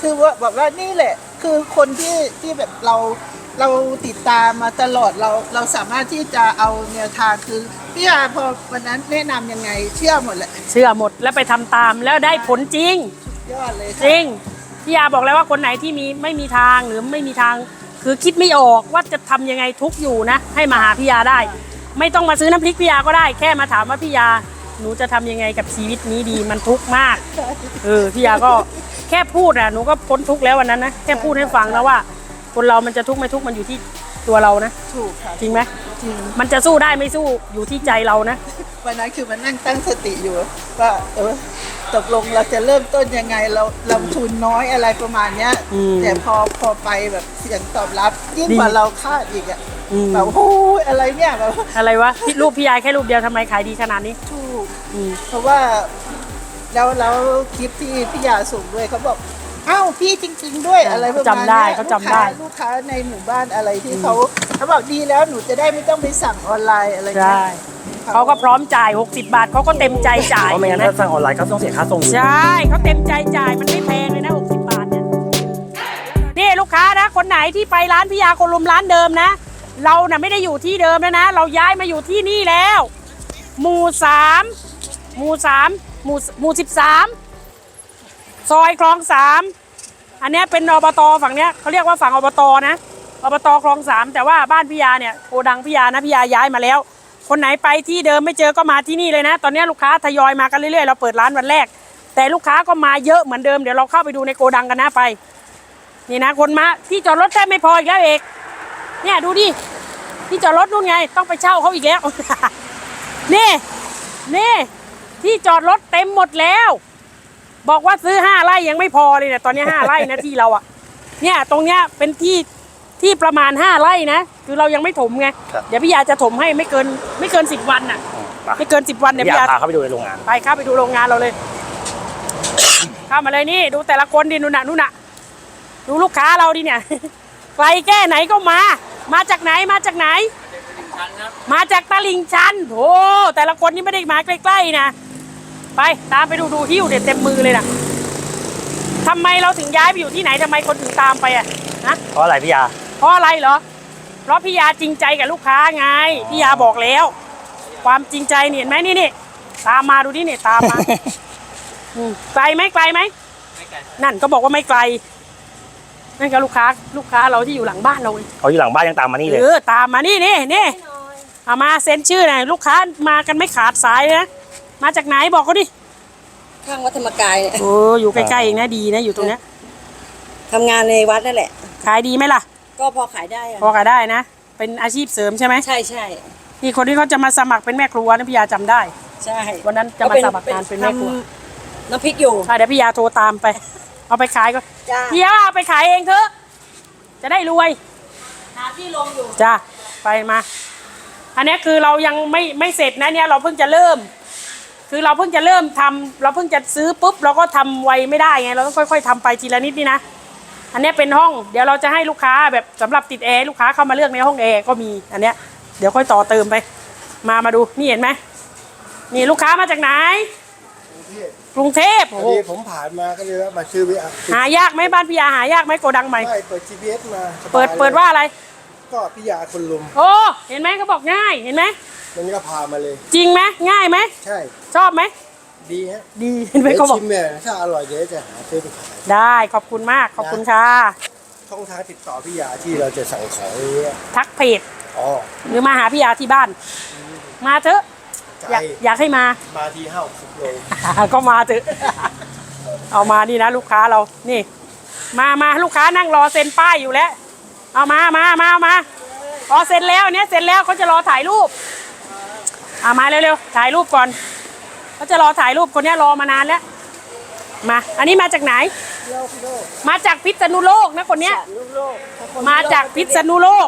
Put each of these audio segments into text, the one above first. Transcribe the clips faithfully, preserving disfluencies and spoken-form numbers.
คือว่าแบบว่านี่แหละคือคนที่ที่แบบเราเราติดตามมาตลอดเราเราสามารถที่จะเอาแนวทางคือพี่อาพอวันนั้นแนะนำยังไงเชื่อหมดแหละเชื่อหมดแล้วไปทำตามแล้วได้ผลจริงยอดเลยจริงพี่อาบอกแล้วว่าคนไหนที่มีไม่มีทางหรือไม่มีทางคือคิดไม่ออกว่าจะทำยังไงทุกอยู่นะให้มาหาพี่ยาได้ไม่ต้องมาซื้อน้ำพริกพี่ยาก็ได้แค่มาถามว่าพี่ยาหนูจะทำยังไงกับชีวิตนี้ดีมันทุกข์มากเออพี่ยาก็แค่พูดอ่ะหนูก็พ้นทุกข์แล้ววันนั้นนะแค่พูดให้ฟังนะว่าคนเรามันจะทุกข์ไม่ทุกข์มันอยู่ที่ตัวเรานะถูกค่ะจริงไหมจริงมันจะสู้ได้ไม่สู้อยู่ที่ใจเรานะวันนั้นคือมันนั่งตั้งสติอยู่ว่าเออตกลงเราจะเริ่มต้นยังไงเราลงทุนน้อยอะไรประมาณเนี้ยแต่พอพอไปแบบเสียงตอบรับยิ่งกว่าเราคาดอีกอ่ะแบบโอ้ยอะไรเนี่ยแบบอะไรวะรูปพี่ยาแค่รูปเดียวทำไมขายดีขนาดนี้ถูกเพราะว่าแล้วแล้วคลิปที่พี่ยาส่งด้วยเขาบอกอ้าวพี่จริงๆด้วยอะไรประมาณนี้จำได้เขาจำได้ลูกค้าในหมู่บ้านอะไรที่เขาเขาบอกดีแล้วหนูจะได้ไม่ต้องไปสั่งออนไลน์อะไรเงี้ยเขาก็พร้อมจ่ายหกสิบบาทเขาก็เต็มใจจ่ายเพราะไม่งั้นถ้าสั่งออนไลน์เขาต้องเสียค่าส่งใช่เขาเต็มใจจ่ายมันไม่แพงเลยนะหกสิบบาทเนี่ยนี่ลูกค้านะคนไหนที่ไปร้านพี่ยาโคลุมร้านเดิมนะเราน่ะไม่ได้อยู่ที่เดิมแล้วนะเราย้ายมาอยู่ที่นี่แล้วหมู่สามหมู่สามหมู่หมู่สิบสามซอยคลองสามอันนี้เป็นอบตฝั่งเนี้ยเขาเรียกว่าฝั่งอบตนะอบตคลองสามแต่ว่าบ้านพี่ยาเนี่ยโกดังพี่ยานะพี่ยาย้ายมาแล้วคนไหนไปที่เดิมไม่เจอก็มาที่นี่เลยนะตอนนี้ลูกค้าทยอยมากันเรื่อยๆเราเปิดร้านวันแรกแต่ลูกค้าก็มาเยอะเหมือนเดิมเดี๋ยวเราเข้าไปดูในโกดังกันนะไปนี่นะคนมาที่จอดรถแทบไม่พออีกแล้วเอกเนี่ยดูดิที่จอดรถนู่นไงต้องไปเช่าเขาอีกแล้ว นี่นี่ที่จอดรถเต็มหมดแล้วบอกว่าซื้อห้าไร่ยังไม่พอเลยเนี่ยตอนนี้ห้าไร่นะที่เราอ่ะเนี่ยตรงเนี้ยเป็นที่ที่ประมาณห้าไร่นะคือเรายังไม่ถมไงเดี๋ยวพี่ยาจะถมให้ไม่เกินไม่เกินสิบวันน่ะไม่เกินสิบวันเดี๋ยวพี่ยาพาเข้าไปดูในโรงงานไปเข้าไปดูโรงงานเราเลย เข้ามาเลยนี่ดูแต่ละคนดินู่นน่ะนู่นน่ะดูลูกค้าเราดิเนี่ยไกลแค่ไหนก็มามาจากไหนมาจากไหนมาจากตลิ่งชันโอ้แต่ละคนนี่ไม่ได้มาใกล้ๆนะไปตามไปดูดูหิ้วเด็ดเต็มมือเลยนะทำไมเราถึงย้ายไปอยู่ที่ไหนทำไมคนถึงตามไปอ่ะนะเพราะอะไรพี่ยาเพราะอะไรเหรอเพราะพี่ยาจริงใจกับลูกค้าไงพี่ยาบอกแล้วความจริงใจเห็นไหมนี่นี่ตามมาดูนี่นี่ตามมา ไกลไหมไกลไหมไม่ไกลนั่นก็บอกว่าไม่ไกลนั่นก็ลูกค้าลูกค้าเราที่อยู่หลังบ้านเราเขาอยู่หลังบ้านยังตามมานี่เลยเออตามมานี่นี่นี่เอามาเซ็นชื่อหน่อยลูกค้ามากันไม่ขาดสายนะมาจากไหนบอกเขาดิข้างวัดธรรมกายเนี่ยโอ้อยู่ใกล้ๆเองนะดีนะอยู่ตรงเนี้ยทำงานในวัดนั่นแหละขายดีไหมล่ะก็พอขายได้พอขายได้นะเป็นอาชีพเสริมใช่ไหมใช่ใช่นี่คนที่เขาจะมาสมัครเป็นแม่ครัวนะพี่ยาจำได้ใช่วันนั้นจะมาสมัครงานเป็นแม่ครัวน้ำพริกอยู่เดี๋ยวพี่ยาโทรตามไปเอาไปขายก็พี่ยาเอาไปขายเองเถอะจะได้รวยหาที่ลงอยู่จ้าไปมาอันนี้คือเรายังไม่ไม่เสร็จนะเนี่ยเราเพิ่งจะเริ่มคือเราเพิ่งจะเริ่มทำเราเพิ่งจะซื้อปุ๊บเราก็ทำไวไม่ได้ไงเราต้องค่อยๆทำไปทีละนิดนี่นะอันนี้เป็นห้องเดี๋ยวเราจะให้ลูกค้าแบบสำหรับติดแอร์ลูกค้าเข้ามาเลือกในห้องแอร์ก็มีอันเนี้ยเดี๋ยวค่อยต่อเติมไปมามาดูนี่เห็นไหมนี่ลูกค้ามาจากไหนกรุงเทพพอดีผมผ่านมาก็เลยมาซื้อไปหายากไหมบ้านพี่ยาหายากไหมโกดังใหม่ไม่เปิด จี พี เอส มาเปิดเปิดว่าอะไรก็พี่ยาคนลุมโอ้เห็นไหมเขาบอกง่ายเห็นไหมมันก็พามาเลยจริงไหมง่ายไหมใช่ชอบไหมดีฮะดีเห็นไหมเขาบอกชิมเนี่ยถ้าอร่อยเดี๋ยวจะหาซื้อไปขายได้ขอบคุณมากขอบคุณค่ะช่องทางติดต่อพี่ยาที่เราจะสั่งของนี้ทักเพจอ๋อหรือมาหาพี่ยาที่บ้านมาเถอะอยากอยากให้มามาที่ห้าสิบโลก็มาเถอะเอามานี่นะลูกค้าเรานี่มามาลูกค้านั่งรอเซ็นป้ายอยู่แล้วเอามามามามาอ๋อเซ็นแล้วเนี้ยเซ็นแล้วเขาจะรอถ่ายรูปเอามาเร็วๆถ่ายรูปก่อนเขาจะรอถ่ายรูปคนนี้รอมานานแล้วมาอันนี้มาจากไหนมาจากพิษณุโลกนะคนเนี้ยมาจากพิษณุโลก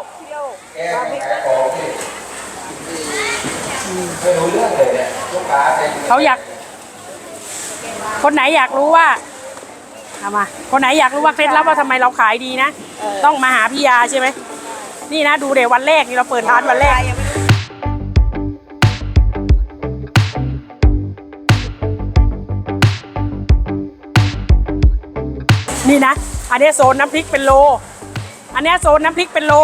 เขาอยากคนไหนอยากรู้ว่าเอามาคนไหนอยากรู้ว่าเคล็ดลับว่าทำไมเราขายดีนะต้องมาหาพี่ยาใช่ไหมนี่นะดูเดี๋ยววันแรกนี่เราเปิดร้านวันแรกนี่นะอันนี้โซนน้ำพริกเป็นโลอันนี้โซนน้ำพริกเป็นโล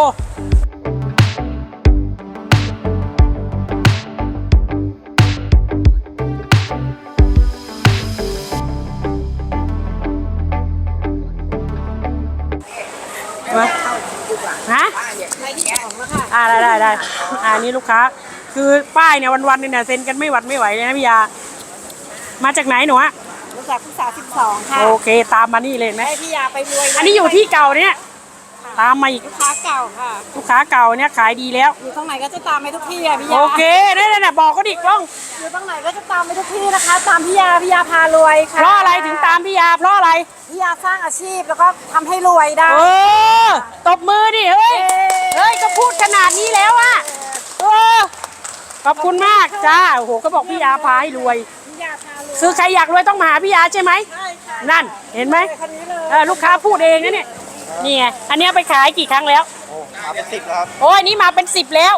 ฮะอ่าได้ได้ได้อ่านี่ลูกค้าคือป้ายเนี่ยวันๆเนี่ยเซ็นกันไม่หวัดไม่ไหวเลยนะพี่ยามาจากไหนหนูอะรู้จักผู้สาวสิบสองค่ะโอเคตามมานี่เลยไหมให้พี่ยาไปรวยอันนี้อยู่ที่เก่าเนี่ยตามมาอีกลูกค้าเก่าค่ะลูกค้าเก่าเนี่ยขายดีแล้วอยู่ตรงไหนก็จะตามไปทุกที่อะพี่ยาโอเคนั่นน่ะบอกเขาดิกล้องอยู่ตรงไหนก็จะตามไปทุกที่นะคะ ตามพี่ยาพี่ยาพารวยค่ะเพราะอะไรถึงตามพี่ยาเพราะอะไรพี่ยาสร้างอาชีพแล้วก็ทำให้รวยได้เออตบมือดิเฮ้ยเฮ้ยก็พูดขนาดนี้แล้วอะเออขอบคุณมากจ้าโอ้โหก็บอกพี่ยาพาให้รวยพี่ยาพารวยคือใครอยากรวยต้องมาหาพี่ยาใช่ไหมใช่ค่ะนั่นเห็นไหมคนนี้เลยเออลูกค้าพูดเองนะเนี่ยนี่ไงอันเนี้ยไปขายกี่ครั้งแล้วมาเป็นสิบครับโอ้ยนี่มาเป็นสิบแล้ว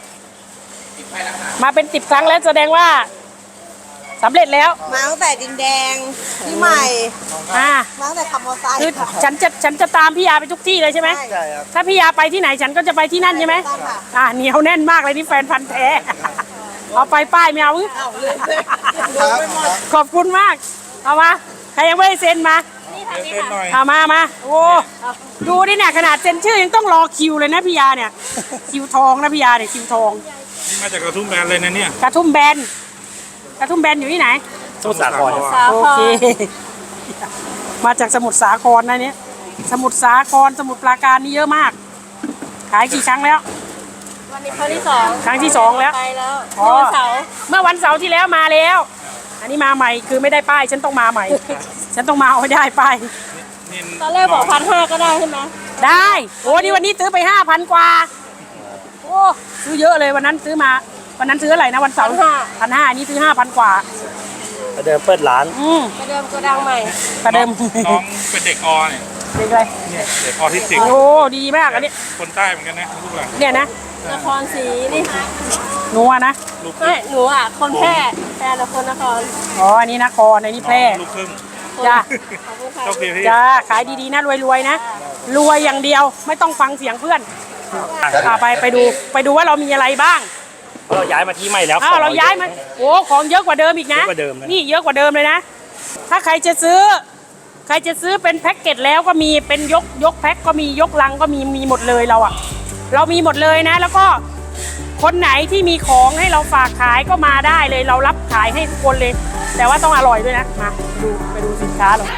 มาเป็นสิบครั้งแล้วแสดงว่าสำเร็จแล้วมาตั้งแต่ดินแดงที่ใหม่อ่ามาตั้งแต่ขับมอเตอร์ไซค์คือฉันจะฉันจะตามพี่ยาไปทุกที่เลยใช่ไหมใช่ครับถ้าพี่ยาไปที่ไหนฉันก็จะไปที่นั่นใช่ไหมต้องค่ะอ่าเหนียวแน่นมากเลยนี่แฟนพันธ์แท้ เอาไปป้ายไม่เอาครับขอบคุณมากเอามาใครยังไม่ได้เซ็นมาเอามามาโอ้ดูดิเนี่ยขนาดเซ็นชื่อยังต้องรอคิวเลยนะพี่ยาเนี่ยคิวทองนะพี่ยาเนี่ยคิวทองนี่มาจากกระทุ่มแบนเลยนะเนี่ยกระทุ่มแบนกระทุ่มแบนอยู่ที่ไหนสมุทรสาครสาโอคเครมาจากสมุทรสาครนะเนี่ยสมุทรสาครสมุทรปราการนี่เยอะมาก ขายกี่ครั้งแล้ววันนี้ครั้งที่สองครั้งที่สองแล้วไปแล้วอ๋อวันเสาร์เมื่อวันเสาร์ที่แล้วมาแล้ว อันนี้มาใหม่คือไม่ได้ป้าย ฉันต้องมาใหม่ ฉันต้องมาเอาให้ได้ป้ายนี่ตอนแรกบอกพันห้าก็ได้ใช่ไหมได้ โอ้นี่วันนี้ซื้อไปห้าพันกว่า โอ้ซื้อเยอะเลยวันนั้นซื้อมา วันนั้นซื้ออะไรนะวันเสาร์พันห้านี่ซื้อห้าพันกว่าประเดิมเปิดร้านอืมประเดิมโกดังใหม่ประเดิมน้องเป็นเด็กอเนี่ยเด็กอะไรเนี่ยเด็กออทิสติกโอ้ดีมากอันนี้คนใต้เหมือนกันนะลูกหลานเนี่ยนะนครศรีนี่หนูอะนะลูกคไม่รึ่งหนูอ่ะ คนแพร่แพร่แต่คนนครอ๋ออันนี้นครอันนี้แพร่ลูกครึ่งจ้าขอบคุณค่ะโชคดีพี่จ้าขายดีๆนะรวยๆนะรวยอย่างเดียวไม่ต้องฟังเสียงเพื่อนอ่าไปไปดูไปดูว่าเรามีอะไรบ้างเพราะเราย้ายมาที่ใหม่แล้วอ้าวของเราย้ายมาโอ้ของเยอะกว่าเดิมอีกนะเยอะกว่าเดิมนะนี่เยอะกว่าเดิมเลยนะ ถ้าใครจะซื้อ ใครจะซื้อเป็นแพ็กเกจแล้วก็มีเป็นยกยกแพ็คก็มียกลังก็มีมีหมดเลยเราอะเรามีหมดเลยนะ แล้วก็คนไหนที่มีของให้เราฝากขายก็มาได้เลยเรารับขายให้ทุกคนเลย แต่ว่าต้องอร่อยด้วยนะมาดูไปดูสินค้าเรา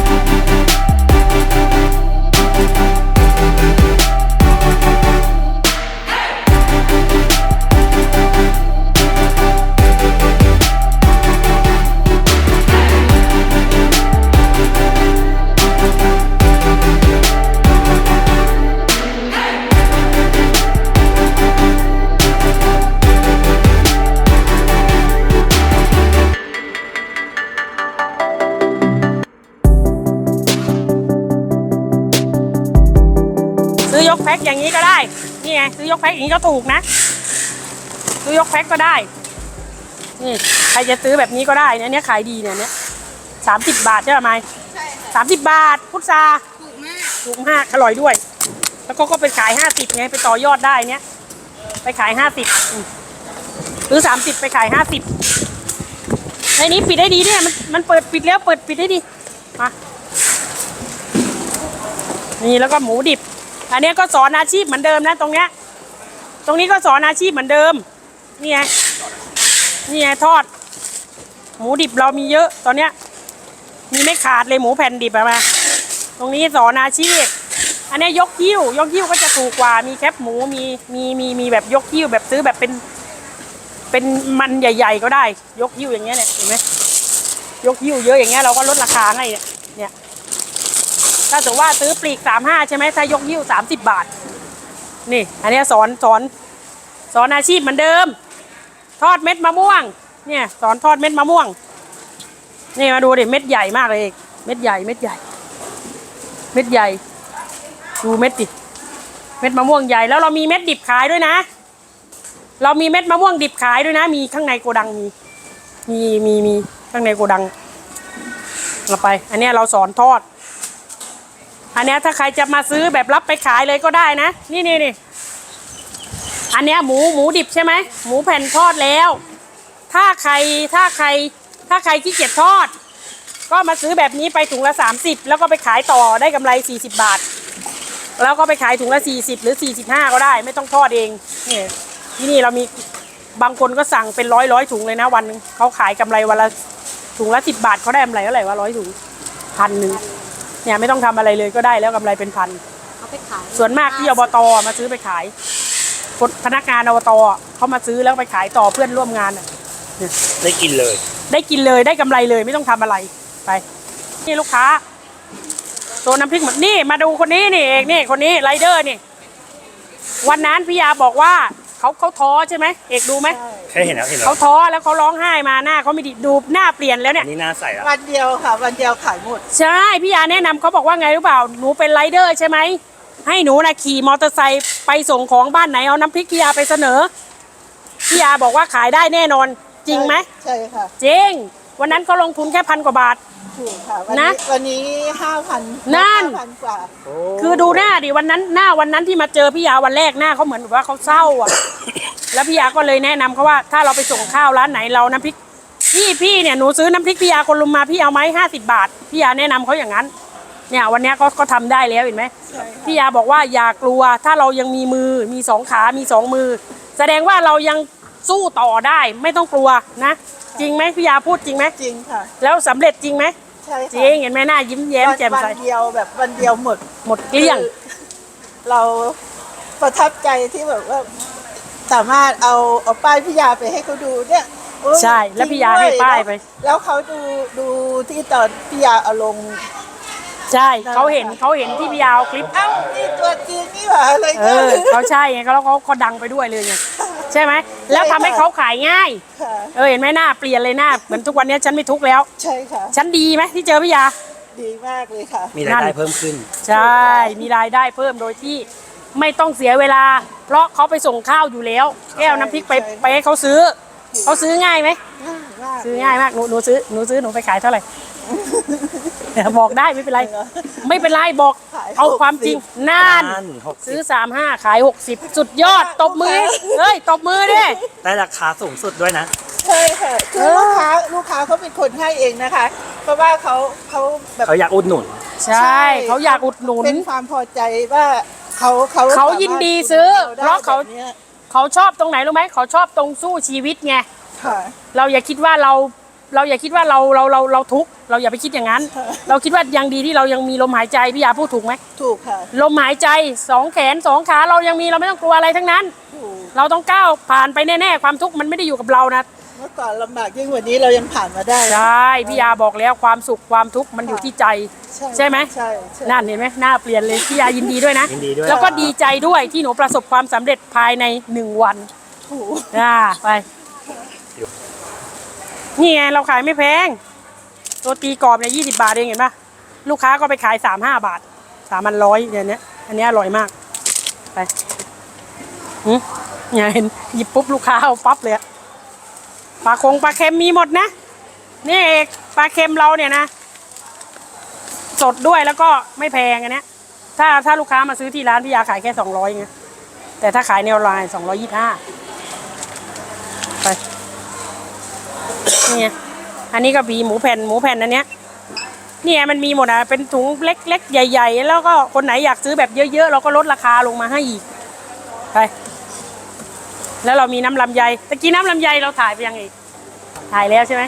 ซื้อยกแพ็คอย่างนี้ก็ได้ นี่ไงซื้อยกแพ็คอย่างนี้ก็ถูกนะ ซื้อยกแพ็คก็ได้ นี่ใครจะซื้อแบบนี้ก็ได้เนี่ยเนี้ยขายดีเนี่ยเนี้ยสามสิบบาทใช่ไหมสามสิบบาทพุทราถูกมากถูกมากอร่อยด้วย แล้วก็ก็ไปขายห้าสิบไงไปต่อยอดได้เนี้ยไปขายห้าสิบซื้อสามสิบไปขายห้าสิบในนี้ปิดได้ดีเนี่ยมันมันเปิดปิดแล้วเปิดปิดได้ดีมานี่แล้วก็หมูดิบ อันนี้ก็สอนอาชีพเหมือนเดิมนะตรงเนี้ย ตรงนี้ก็สอนอาชีพเหมือนเดิม นี่ไง นี่ไงทอด หมูดิบเรามีเยอะตอนเนี้ย มีไม่ขาดเลยหมูแผ่นดิบอะมา ตรงนี้สอนอาชีพ อันนี้ยกหิ้วยกหิ้วก็จะถูกกว่า มีแคปหมูมีมีมีมีแบบยกหิ้วแบบซื้อแบบเป็น เป็นมันใหญ่ ๆ ก็ได้ ยกหิ้วอย่างเงี้ยเนี่ยเห็นไหมยกหิ้วเยอะอย่างเงี้ยเราก็ลดราคาให้เนี่ยเนี่ยถ้าสมมติว่าซื้อปลีกสามห้าใช่ไหมถ้ายกหิ้วสามสิบบาท นี่ อันนี้สอนสอนสอนอาชีพเหมือนเดิม ทอดเม็ดมะม่วง เนี่ยสอนทอดเม็ดมะม่วง นี่มาดูดิเม็ดใหญ่มากเลยเม็ดใหญ่เม็ดใหญ่ เม็ดใหญ่ ดูเม็ดดิ เม็ดมะม่วงใหญ่แล้วเรามีเม็ดดิบขายด้วยนะ เรามีเม็ดมะม่วงดิบขายด้วยนะ มีข้างในโกดังมี มีมีมีข้างในโกดังเอาไป อันนี้เราสอนทอดอันเนี้ยถ้าใครจะมาซื้อแบบรับไปขายเลยก็ได้นะ นี่นี่นี่อันเนี้ยหมูหมูดิบใช่ไหมหมูแผ่นทอดแล้ว ถ้าใครถ้าใครถ้าใครขี้เกียจทอด ก็มาซื้อแบบนี้ไปถุงละสามสิบแล้วก็ไปขายต่อได้กำไรสี่สิบบาท แล้วก็ไปขายถุงละสี่สิบหรือสี่สิบห้าก็ได้ไม่ต้องทอดเองนี่ที่นี่เรามีบางคนก็สั่งเป็นร้อยร้อยถุงเลยนะวันนึงเขาขายกำไรวันละถุงละสิบบาทเขาได้กำไรเท่าไหร่วะร้อยถุงพันหนึ่งเนี่ยไม่ต้องทำอะไรเลยก็ได้แล้วกำไรเป็นพันเอาไปขายส่วนมากที่อบตมาซื้อไปขายคนพนักงานอบตเขามาซื้อแล้วไปขายต่อเพื่อนร่วมงานน่ะได้กินเลยได้กินเลยได้กำไรเลยไม่ต้องทำอะไรไปนี่ลูกค้าตัวน้ำพริกหมดนี่มาดูคนนี้นี่เอกนี่คนนี้ไรเดอร์นี่วันนั้นพี่ยาบอกว่าเขาเขาท้อใช่ไหมเอกดูไหมแค่เห็นแล้วเห็นแล้วเขาท้อแล้วเขาร้องไห้มาหน้าเขาไม่ดีดูหน้าเปลี่ยนแล้วเนี่อัยนนี้หน้าใสแล้ววันเดียวค่ะ วันเดียวขายหมดใช่พี่ยาแนะนำเขาบอกว่าไงรู้เปล่าหนูเป็นไรเดอร์ใช่ไหมให้หนูนะขี่มอเตอร์ไซค์ไปส่งของบ้านไหนเอาน้ำพริกพี่ยาไปเสนอพี่ยาบอกว่าขายได้แน่นอนจริงไหมใช่ค่ะจริงวันนั้นเขาลงทุนแค่พันกว่าบาทถูกค่ะ วันนะนี้วันนี้ห้าพันนั่นพันกว่าคือดูหน้าดิวันนั้นหน้าวันนั้นที่มาเจอพี่ยาวันแรกหน้าเขาเหมือนแบบว่าเขาเศร้าอ่ะ แล้วพี่ยาก็เลยแนะนำเขาว่าถ้าเราไปส่งข้าวร้านไหนเราน้ำพริกพี่พี่เนี่ยหนูซื้อน้ำพริกพี่ยาคนลุมมาพี่เอาไหมห้าสิบบาทพี่ยาแนะนำเขาอย่างนั้นเนี่ยวันนี้ก็ก็ทำได้แล้วเห็นไหมพี่ยาบอกว่าอย่ากลัวถ้าเรายังมีมือมีสองขา มีสองมือ แสดงว่าเรายังสู้ต่อได้ไม่ต้องกลัวนะจริงไหมพี่ยาพูดจริงไหมจริงค่ะแล้วสำเร็จจริงไหมใช่จค่ะริงเห็นไหมหน้ายิ้มแย้มวันแจ่มวันใสเดียวแบบวันเดียวหมดหมดเกลี้ยงคือเราประทับใจที่แบบว่า สามารถเอาเอาป้ายพี่ยาไปให้เขาดูเนี่ยโอ้ยใช่แล้วพี่ยาจริงด้ให้ป้ายไปแล้วเขาดูดูที่ตอนพี่ยาเอาลงใช่เขาเห็นเขาเห็นที่พี่ยาเอาคลิปเอ้านี่ตัวจริงนี่หว่าอะไรเอเงี้ยอเขาใช่ไงเขาแล้วเขาเขาดังไปด้วยเลยไงใช่ไหมแล้วทำให้เขาขายง่ายค่ะเออเห็นไหมหน้าเปลี่ยนเลยหน้าเหมือนทุกวันนี้ฉันไม่ทุกข์แล้วใช่ค่ะฉันดีไหมที่เจอพี่ยาดีมากเลยค่ะมีรายได้เพิ่มขึ้นใช่ มีรายได้เพิ่มโดยที่ไม่ต้องเสียเวลา เพราะเขาไปส่งข้าวอยู่แล้วแก้วน้ำพริกไปใช่ไปให้เขาซื้อเขาซื้อง่ายไหมง่ายมากซื้อง่ายมากหนูหนูซื้อหนูซื้อหนูไปขายเท่าไหร่ บอกได้ไม่เป็นไร ไม่เป็นไรบอกเอาความจริงนั่นนั่นหกสิบซื้อสามห้าขายหกสิบสุดยอดตบมือเฮ้ยตบมือดิได้ราคาสูงสุดด้วยนะใช่ค่ะคือลูกค้าลูกค้าเขาเป็นคนให้เองนะคะ เพราะว่าเขาเขาแบบเขาอยากอุดหนุนใช่เขาอยากอุดหนุนเป็นความพอใจว่าเขาเขาเขายินดีซื้อสมถเพราะเขาแบบนี้ยเขาชอบตรงไหนรู้ไหมเขาชอบตรงสู้ชีวิตไงค่ะเราอย่าคิดว่าเราเราอย่าคิดว่าเราเราเราเราทุกข์เราอย่าไปคิดอย่างนั้นค่ะเราคิดว่ายังดีที่เรายังมีลมหายใจพี่ยาพูดถูกไหมถูกค่ะลมหายใจสองแขนสองขาเรายังมีเราไม่ต้องกลัวอะไรทั้งนั้นถูกเราต้องก้าวผ่านไปแน่ๆความทุกข์มันไม่ได้อยู่กับเรานะเมื่อก่อนลำบากยิ่งกว่านี้เรายังผ่านมาได้ใช่พี่ยาบอกแล้วความสุขความทุกข์มันอยู่ที่ใจ ใช่ไหมใช่ใช่นั่นเห็นไหมหน้าเปลี่ยนเลยพี่ยายินดีด้วยนะยินดีด้วยแล้วก็ดีใจด้วยที่หนูประสบความสำเร็จภายในหนึ่งวันถูกอ่าไปนี่ไงเราขายไม่แพงตัวตีกรอบเนี่ยยี่สิบาทเองเห็นปะลูกค้าก็ไปขายสามห้าบาทสามพันร้อยเนี่ยเนี้ยอันเนี้ยอร่อยมากไปหืมเนี่ยเห็นหยิบปุ๊บลูกค้าเอาปั๊บเลยอะปลาคงปลาเค็มมีหมดนะนี่เอกปลาเค็มเราเนี่ยนะสดด้วยแล้วก็ไม่แพงอันเนี้ยถ้าถ้าลูกค้ามาซื้อที่ร้านพี่ยาขายแค่สองร้อยไงแต่ถ้าขายในออนไลน์สองร้อยยี่สิบห้าไปนี่ไงอันนี้ก็มีหมูแผ่นหมูแผ่นอันเนี้ยเนี่ยมันมีหมดอ่ะเป็นถุงเล็กๆใหญ่ๆแล้วก็คนไหนอยากซื้อแบบเยอะๆเราก็ลดราคาลงมาให้อีกไปแล้วเรามีน้ำลำไยตะกี้น้ำลำไยเราถ่ายไปยังอีกถ่ายแล้วใช่ไหม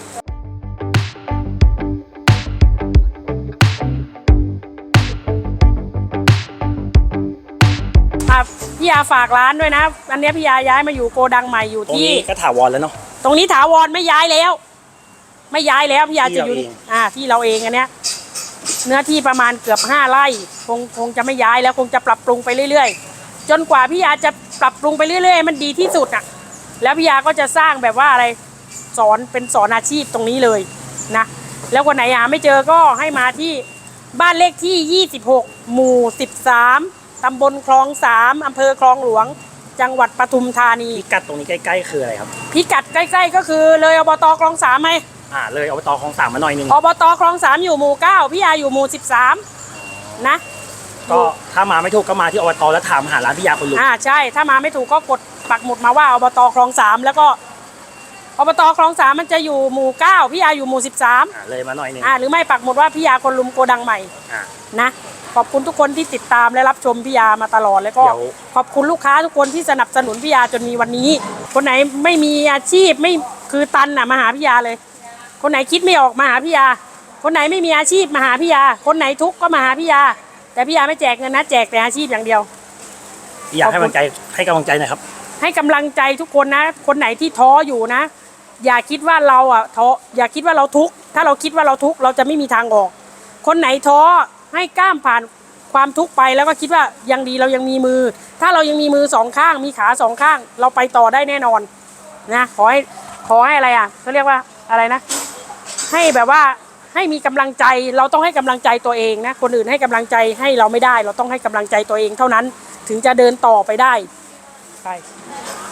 อ่ะพี่ยาฝากร้านด้วยนะอันเนี้ยพี่ยาย้ายมาอยู่โกดังใหม่อยู่ตรงที่นี้ก็ถาวรแล้วเนาะตรงนี้ถาวรไม่ย้ายแล้ว ไม่ย้ายแล้วพี่ยาที่จะอยู่เราเองอ่าที่เราเองอันเนี้ยเนื้อที่ประมาณเกือบห้าไร่คงคงจะไม่ย้ายแล้วคงจะปรับปรุงไปเรื่อยๆจนกว่าพี่ยาจะปรับปรุงไปเรื่อยๆมันดีที่สุดอ่ะแล้วพี่ยาก็จะสร้างแบบว่าอะไรสอนเป็นสอนอาชีพตรงนี้เลยนะแล้วคนไหนหาไม่เจอก็ให้มาที่บ้านเลขที่ยี่สิบหกหมู่สิบสามตำบลคลองสามอำเภอคลองหลวงจังหวัดปทุมธานีพิกัดตรงนี้ใกล้ๆคืออะไรครับพิกัดใกล้ๆก็คือเลยอบตคลองสามไหมอ่าเลยอบตคลองสามมาหน่อยนึงอบตคลองสามอยู่หมู่เก้าพี่ยาอยู่หมู่สิบสามนะก็ถ้ามาไม่ถูกก็มาที่อบตแล้วถามหาร้านพี่ยาคนลุมอ่าใช่ถ้ามาไม่ถูกก็กดปักหมุดมาว่าอบตคลองสามแล้วก็อบตคลองสามมันจะอยู่หมู่เก้าพี่ยาอยู่หมู่สิบสามอ่าเลยมาหน่อยหนึงอ่าหรือไม่ปักหมุดว่าพี่ยาคนลุมโกดังใหม่อ่านะขอบคุณทุกคนที่ติดตามและรับชมพี่ยามาตลอดแล้วก็เดี๋ยวขอบคุณลูกค้าทุกคนที่สนับสนุนพี่ยาจนมีวันนี้ คนไหนไม่มีอาชีพไม่คือตันน่ะมาหาพี่ยาเลย คนไหนคิดไม่ออกมาหาพี่ยา คนไหนไม่มีอาชีพมาหาพี่ยา คนไหนทุกข์ก็มาหาพี่ยา แต่พี่ยาไม่แจกเงินนะแจกแต่อาชีพอย่างเดียวพี่ยาให้กำลังใจให้กำลังใจหน่อยครับให้กำลังใจทุกคนนะ คนไหนที่ท้ออยู่นะ อย่าคิดว่าเราอ่ะท้ออย่าคิดว่าเราทุกข์ถ้าเราคิดว่าเราทุกข์เราจะไม่มีทางออก คนไหนท้อให้ก้ามผ่านความทุกข์ไปแล้วก็คิดว่ายังดีเรายังมีมือ ถ้าเรายังมีมือสองข้างมีขาสองข้าง เราไปต่อได้แน่นอนนะขอให้ขอให้อะไรอ่ะเขาเรียกว่าอะไรนะ ให้แบบว่าให้มีกำลังใจเราต้องให้กำลังใจตัวเองนะคนอื่นให้กำลังใจให้เราไม่ได้ เราต้องให้กำลังใจตัวเองเท่านั้นถึงจะเดินต่อไปได้ไป